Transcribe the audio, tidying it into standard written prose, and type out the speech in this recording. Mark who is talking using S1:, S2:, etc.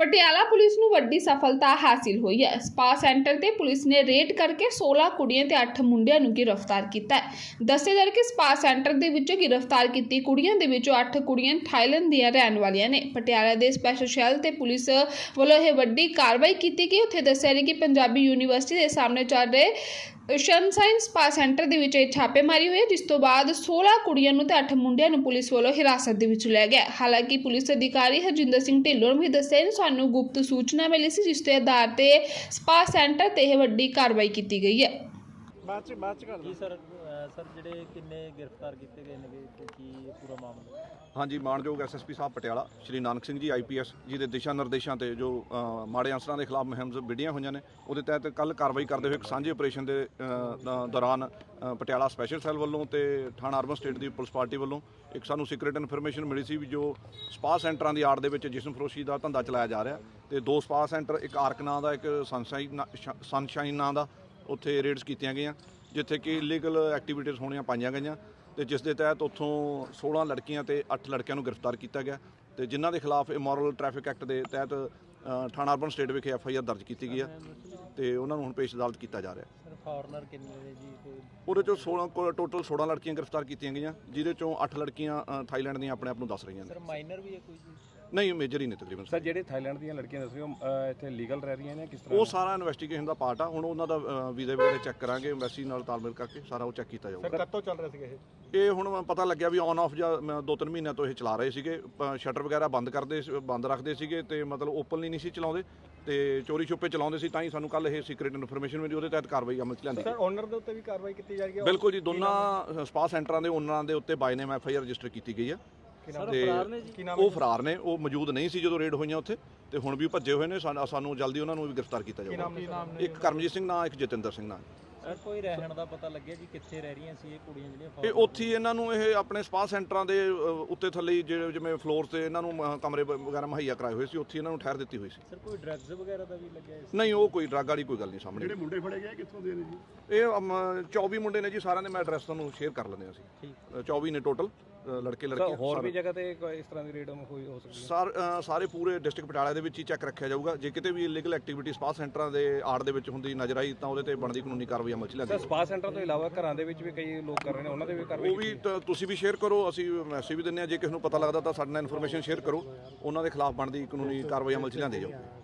S1: Patiala police ਨੂੰ ਵੱਡੀ ਸਫਲਤਾ ਹਾਸਿਲ ਹੋਈ ਹੈ। ਸਪਾ ਸੈਂਟਰ ਤੇ ਪੁਲਿਸ ਨੇ ਰੇਡ ਕਰਕੇ 16 ਕੁੜੀਆਂ ਤੇ 8 ਮੁੰਡਿਆਂ ਨੂੰ ਗ੍ਰਿਫਤਾਰ ਕੀਤਾ ਹੈ। ਦੱਸਿਆ ਜਾ ਰਿਹਾ ਕਿ ਸਪਾ ਸੈਂਟਰ ਦੇ ਵਿੱਚੋਂ ਗ੍ਰਿਫਤਾਰ ਕੀਤੀ ਕੁੜੀਆਂ ਦੇ ਵਿੱਚੋਂ 8 ਕੁੜੀਆਂ ਥਾਈਲੈਂਡ ਦੀਆਂ ਰਹਿਣ ਵਾਲੀਆਂ ਨੇ। ਪਟਿਆਲਾ ਦੇ ਸਪੈਸ਼ਲ ਸ਼ੈੱਲ ਤੇ ਪੁਲਿਸ ਵੱਲੋਂ ਇਹ ਵੱਡੀ ਕਾਰਵਾਈ ਕੀਤੀ ਗਈ। ਉੱਥੇ ਦੱਸਿਆ ਗਿਆ ਕਿ ਪੰਜਾਬੀ ਯੂਨੀਵਰਸਿਟੀ ਦੇ ਸਾਹਮਣੇ ਚੱਲ ਰਹੇ ਸਨਸ਼ਾਈਨ ਸਪਾ ਸੈਂਟਰ ਦੇ ਵਿੱਚ ਛਾਪੇਮਾਰੀ ਹੋਈ, ਜਿਸ ਤੋਂ ਬਾਅਦ 16 ਕੁੜੀਆਂ ਨੂੰ ਤੇ 8 ਮੁੰਡਿਆਂ ਨੂੰ ਪੁਲਿਸ ਵੱਲੋਂ ਹਿਰਾਸਤ ਦੇ ਵਿੱਚ ਲਿਆ ਗਿਆ। ਹਾਲਾਂਕਿ ਪੁਲਿਸ ਅਧਿਕਾਰੀ ਹਰਜਿੰਦਰ ਸਿੰਘ ਢਿੱਲੋਂ ਨੇ ਵੀ ਦੱਸਿਆ ਕਿ ਸਾਨੂੰ ਗੁਪਤ ਸੂਚਨਾ ਮਿਲੀ ਸੀ, ਜਿਸ ਦੇ ਆਧਾਰ ਤੇ ਸਪਾ ਸੈਂਟਰ ਤੇ ਇਹ ਵੱਡੀ ਕਾਰਵਾਈ ਕੀਤੀ ਗਈ ਹੈ।
S2: ਜੀ ਸਰ ਜਿਹੜੇ ਕਿੰਨੇ ਗ੍ਰਿਫਤਾਰ ਕੀਤੇ ਗਏ ਨੇ ਤੇ ਕੀ ਪੂਰਾ ਮਾਮਲਾ?
S3: हाँ जी, मानयोग SSP साहब पटियाला श्री नानक सिंह जी IPS जी के दिशा निर्देशों से जो माड़े अंसरां के खिलाफ मुहिम विढ़ियां हुई ने, उहदे तहत कल कार्रवाई करते हुए एक सांझे ऑपरेशन के दौरान पटियाला स्पैशल सैल वालों तो थाना अर्बन स्टेट की पुलिस पार्टी वालों एक सानू सीक्रेट इन्फॉर्मेशन मिली सी भी जो स्पा सेंटरां की आड़ दे विच जिस्म फरोशी का धंधा चलाया जा रहा है। तो 2 स्पा सेंटर, एक आर्क नां दा, एक सनशाइन नां दा, उत्थे रेड्स कीतियां गईयां जिथे कि इलीगल एक्टिविटीज़ होणियां पाईयां गईयां। तो जिस दे तहत उत्थों 16 लड़कियां ते 8 लड़कियां नूं गिरफ्तार किया गया। तो जिन्हां दे खिलाफ इमोरल ट्रैफिक एक्ट के तहत थाना अर्बन स्टेट विखे FIR दर्ज की गई है। तो उन्होंने हुण पेश अदालत किया जा रहा है।
S2: फॉरनर किन्ने ने जी?
S3: ਉਹਦੇ ਚੋਂ 16 टोटल 16 लड़कियां गिरफ्तार कीतियां गईयां, जिहदे चों 8 लड़कियां थाईलैंड ਦੀਆਂ ਆਪਣੇ ਆਪ ਨੂੰ ਦੱਸ ਰਹੀਆਂ ਨੇ।
S2: ਸਰ ਮਾਈਨਰ ਵੀ ਹੈ ਕੋਈ ਜੀ?
S3: ਨਹੀਂ, ਮੇਜਰ ਹੀ ਨੇ ਤਕਰੀਬਨ।
S4: ਸਰ ਜਿਹੜੇ ਥਾਈਲੈਂਡ ਦੀਆਂ ਲੜਕੀਆਂ ਦੱਸ ਰਹੇ ਹੋ ਇੱਥੇ ਲੀਗਲ ਰਹਿ ਰਹੀਆਂ ਨੇ, ਕਿਸ ਤਰ੍ਹਾਂ?
S3: ਉਹ ਸਾਰਾ ਇਨਵੈਸਟੀਗੇਸ਼ਨ ਦਾ ਪਾਰਟ ਆ। ਹੁਣ ਉਹਨਾਂ ਦਾ ਵੀਜ਼ੇ ਵਗੈਰਾ ਚੈੱਕ ਕਰਾਂਗੇ, ਐਮਬੈਸੀ ਨਾਲ ਤਾਲਮੇਲ ਕਰਕੇ ਸਾਰਾ ਉਹ ਚੈੱਕ ਕੀਤਾ ਜਾਊਗਾ।
S4: ਸਰ ਕਦੋਂ ਚੱਲ ਰਿਹਾ ਸੀਗਾ
S3: ਇਹ ਹੁਣ ਪਤਾ ਲੱਗਿਆ ਵੀ ਔਨ ਆਫ ਜਾਂ 2-3 ਮਹੀਨਿਆਂ ਤੋਂ ਇਹ ਚਲਾ ਰਹੇ ਸੀਗੇ। ਸ਼ਟਰ ਵਗੈਰਾ ਬੰਦ ਰੱਖਦੇ ਸੀਗੇ ਤੇ ਮਤਲਬ ਓਪਨਲੀ ਨਹੀਂ ਸੀ ਚਲਾਉਂਦੇ ਤੇ ਚੋਰੀ ਛੁਪੇ ਚਲਾਉਂਦੇ ਸੀ। ਤਾਂ ਹੀ ਸਾਨੂੰ ਕੱਲ ਇਹ ਸੀਕ੍ਰੀਟ ਇਨਫੋਰਮੇਸ਼ਨ ਮਿਲੀ, ਉਹਦੇ ਤਹਿਤ ਕਾਰਵਾਈ ਅਮਲ 'ਚ ਲਿਆਂਦੀ।
S4: ਸਰ ਓਨਰ ਦੇ ਉੱਤੇ ਵੀ ਕਾਰਵਾਈ ਕੀਤੀ ਜਾ ਰਹੀ ਹੈ?
S3: ਬਿਲਕੁਲ ਜੀ, ਦੋਨਾਂ ਸਪਾ ਸੈਂਟਰਾਂ ਦੇ ਓਨਰਾਂ ਦੇ ਉੱਤੇ ਬਾਈ ਨੇਮ FIR ਰਜਿਸਟਰ ਕੀਤੀ ਗਈ ਹੈ। ਉਹ ਫਰਾਰ ਨੇ, ਉਹ ਮੌਜੂਦ ਨਹੀਂ ਸੀ ਜਦੋਂ ਰੇਡ ਹੋਈਆਂ ਉੱਥੇ, ਤੇ ਹੁਣ ਵੀ ਭੱਜੇ ਹੋਏ ਨੇ। ਸਾਨੂੰ ਜਲਦੀ ਉਹਨਾਂ ਨੂੰ ਵੀ ਗ੍ਰਿਫਤਾਰ ਕੀਤਾ ਜਾਊਗਾ। ਇੱਕ ਕਰਮਜੀਤ ਸਿੰਘ ਨਾਂ, ਇੱਕ ਜਤਿੰਦਰ ਸਿੰਘ ਨਾਂ।
S2: ਸਰ ਕੋਈ ਰਹਿਣ ਦਾ ਪਤਾ ਲੱਗਿਆ ਜੀ ਕਿੱਥੇ ਰਹਿ ਰਹੀਆਂ ਸੀ ਇਹ ਕੁੜੀਆਂ ਜਿਹੜੀਆਂ?
S3: ਇਹ ਉੱਥੇ ਇਹਨਾਂ ਨੂੰ ਇਹ ਆਪਣੇ ਸਪਾ ਸੈਂਟਰਾਂ ਦੇ ਉੱਤੇ ਥੱਲੇ ਜਿਵੇਂ ਫਲੋਰ ਤੇ ਇਹਨਾਂ ਨੂੰ ਕਮਰੇ ਵਗੈਰਾ ਮੁਹੱਈਆ ਕਰਾਏ ਹੋਏ ਸੀ, ਉੱਥੇ ਇਹਨਾਂ ਨੂੰ ਠਹਿਰ ਦਿੱਤੀ ਹੋਈ ਸੀ।
S2: ਸਰ ਕੋਈ ਡਰੱਗਸ ਵਗੈਰਾ ਦਾ ਵੀ ਲੱਗਿਆ ਇਸ?
S3: ਨਹੀਂ, ਉਹ ਕੋਈ ਡਰੱਗ ਵਾਲੀ ਕੋਈ ਗੱਲ ਨਹੀਂ ਸਾਹਮਣੇ।
S4: ਜਿਹੜੇ ਮੁੰਡੇ ਫੜੇ ਗਏ ਕਿੱਥੋਂ ਦੇ ਨੇ ਜੀ?
S3: ਇਹ 24 ਮੁੰਡੇ ਨੇ ਜੀ, ਸਾਰਿਆਂ ਦੇ ਮੈਂ ਐਡਰੈਸ ਤੁਹਾਨੂੰ ਸ਼ੇਅਰ ਕਰ ਲੈਂਦੇ ਹਾਂ ਅਸੀਂ। 24 ਨੇ ਟੋਟਲ ਲੜਕੇ ਲੜਕੀਆਂ।
S4: ਹੋਰ ਵੀ ਜਗ੍ਹਾ ਤੇ ਇਸ ਤਰ੍ਹਾਂ ਦੀ ਰੇਡ ਹੋਈ ਹੋ ਸਕਦੀ
S3: ਹੈ? ਸਾਰੇ ਪੂਰੇ ਡਿਸਟ੍ਰਿਕਟ ਪਟਿਆਲਾ ਦੇ ਵਿੱਚ ਹੀ ਚੈੱਕ ਰੱਖਿਆ ਜਾਊਗਾ। ਜੇ ਕਿਤੇ ਵੀ ਇਲੀਗਲ ਐਕਟੀਵਿਟੀ ਸਪਾ ਸੈਂਟਰਾਂ ਦੇ ਆੜ ਦੇ ਵਿੱਚ ਹੁੰਦੀ ਨਜ਼ਰ ਆਈ ਤਾਂ ਉਹਦੇ ਤੇ ਬਣਦੀ ਕਾਨੂੰਨੀ ਕਾਰਵਾਈ ਅਮਲ 'ਚ ਲਿਆਂਦੀ।
S4: ਸਪਾ ਸੈਂਟਰ ਤੋਂ ਇਲਾਵਾ ਘਰਾਂ ਦੇ ਵਿੱਚ ਵੀ ਕਈ ਲੋਕ ਕਰ ਰਹੇ ਨੇ, ਉਹਨਾਂ ਦੇ ਵੀ ਕਾਰਵਾਈ?
S3: ਉਹ ਵੀ ਤੁਸੀਂ ਵੀ ਸ਼ੇਅਰ ਕਰੋ, ਅਸੀਂ ਮੈਸੇਜ ਵੀ ਦਿੰਦੇ ਹਾਂ। ਜੇ ਕਿਸੇ ਨੂੰ ਪਤਾ ਲੱਗਦਾ ਤਾਂ ਸਾਡੇ ਨਾਲ ਇਨਫੋਰਮੇਸ਼ਨ ਸ਼ੇਅਰ ਕਰੋ, ਉਹਨਾਂ ਦੇ ਖਿਲਾਫ ਬਣਦੀ ਕਾਨੂੰਨੀ ਕਾਰਵਾਈ ਅਮਲ 'ਚ ਲਿਆਂਦੀ ਜਾਊ।